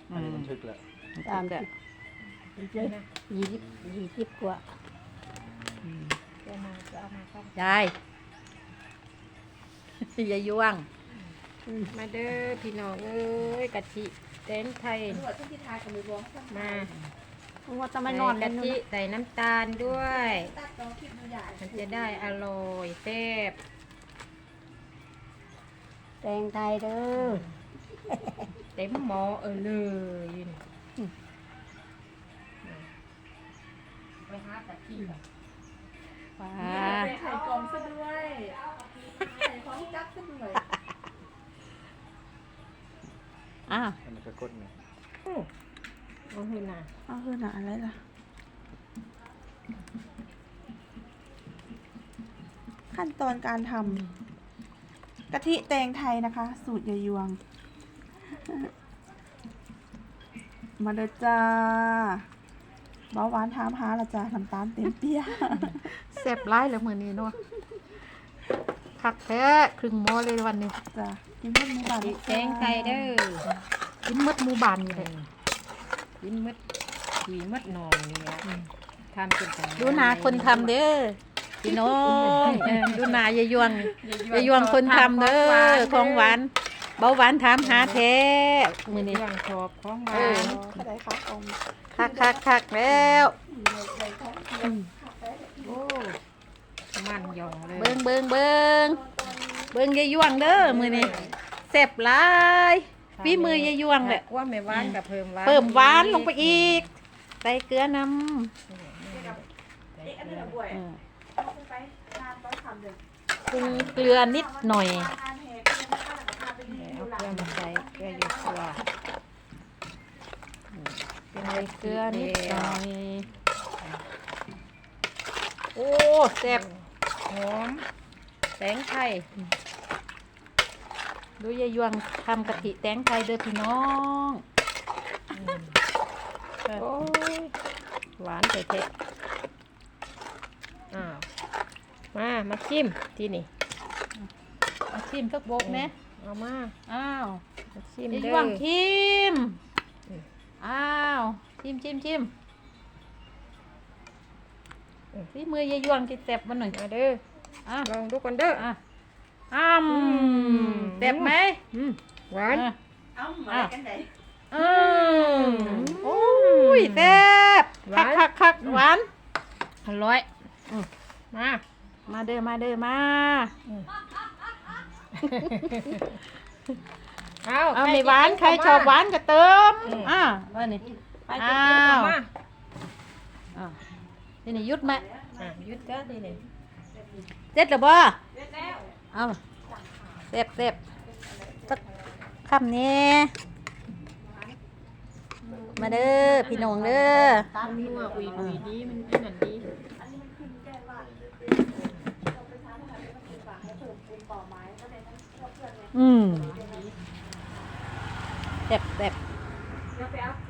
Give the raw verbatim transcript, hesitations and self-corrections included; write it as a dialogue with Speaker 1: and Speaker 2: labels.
Speaker 1: อันนี้มันทึกแล้ว
Speaker 2: สามสิบยี่สิบยี่สิบกว่า
Speaker 3: ยาย ยายยวง
Speaker 4: มาเด้อพี่น้องเอ้ยกะทิเต้นไทยมา
Speaker 2: ว่าจะไม่นอน
Speaker 4: ใส่
Speaker 2: กั
Speaker 4: กะ
Speaker 2: น
Speaker 4: ทิใส่น้ำตาลด้วยมันจะได้อร่อยแซ่บ
Speaker 2: แตงไทยเด้อ
Speaker 4: เต็มหม้อเออเลยนี่ไปหากะทิ
Speaker 3: ว้า
Speaker 5: ไข่กลมซะด้วยไข่ของจักซะด้วย
Speaker 3: อ้าว
Speaker 1: อันนี้ก็กดเนี่ย
Speaker 4: เอาให้น่ะ
Speaker 2: เอาคือหนาอะไรล่ะขั้นตอนการทำกะทิแตงไทยนะคะ สูตรยายยวง มาเด้อจ้าเบาหวานถามหาละจ้าน้ำตาลเต็มเปีย
Speaker 3: แซ่บร้ายแล้วมื้อนี้เนาะคักแท้ครึ่งหม้อเลยวันนี้
Speaker 2: จ้ากินเพิ่มหมูบาน
Speaker 4: แกงไทยเด้อ
Speaker 3: กินหมดหมู่บ้านนี่เลย
Speaker 4: กินมดหวีมดหนองนี่ละทำเป็นจัง
Speaker 3: ดูหนาคนทำเด้อพี่น้องเออดูหนายายยวงยายยวงคนทำเด้อของหวานเบาหวานถามหาแท้มื้อนี้
Speaker 4: ย่างชอบของหวา
Speaker 3: เออ
Speaker 4: น
Speaker 2: เขาได้ค่ะอม
Speaker 3: คักคักคักแล้ว
Speaker 4: โอ้มันหยองเลย
Speaker 3: เบิ่งเบิ่งเบิ่งเบิ่งยายยวงเด้อมื้อนี้แซ่บหลายฝีมือยายยวงแหละ
Speaker 4: ว่าไม่หวานกับเพิ่มหวาน
Speaker 3: เพิ่มหวานลงไปอีกใส่เกลือน้ำเออปรุงเกลือนิดหน่อย
Speaker 4: เอาเกลือมาใส่เกลืออยู่ตัว
Speaker 3: ใส่เกลือนิดหน่อยโอ้แซ่บ
Speaker 4: หอมแตงไทย
Speaker 3: ดูยายยวงทำกะทิแตงไทยเด้อพี่น้อง
Speaker 4: โอ้ยหวานเผ็ดๆอ้าวมามาจิ้มที่นี่
Speaker 3: มาชิมสักโบกนะ
Speaker 4: เอามา
Speaker 3: อ้าว
Speaker 4: มาจิ้ม
Speaker 3: ยาย
Speaker 4: เด้
Speaker 3: ยว
Speaker 4: อง
Speaker 3: ชิม
Speaker 4: อืม
Speaker 3: อ้าวชิมชิมชิมฝีมือยายยวงที่แซ่บมาหน่อย
Speaker 4: มาเด้อ
Speaker 3: อ่ะ
Speaker 4: ลองดูกันเด้อ
Speaker 3: อ่ะอ้าม
Speaker 4: อืม
Speaker 3: แซ่บไหม
Speaker 4: อืมหวาน
Speaker 3: อ่ะ
Speaker 5: เอ้ามากันไหน
Speaker 3: อืมโอ้ยแซ่บคักคักคักหวานอร่อยอืม
Speaker 4: มา
Speaker 3: มาเด้อมาเด้อมา
Speaker 4: เอา
Speaker 3: เอาไม่หวานใครชอบหวานก็เติมอ่ะว่านี่
Speaker 4: ไปกินกินเข้ามา
Speaker 3: อ่ะนี่นี่หยุดไหม
Speaker 4: อ่ะหยุดก็ดีเลย
Speaker 3: เสร็จแล้วบ่เอาเสร็จเสร็จสักคำนี้มาเด้อพี่น้องเด้อ
Speaker 4: มันนัวอุยอุยดีมันเป็นอันดี
Speaker 3: อืมแซ่บแซ่บ
Speaker 5: เดี๋ยวไปเอา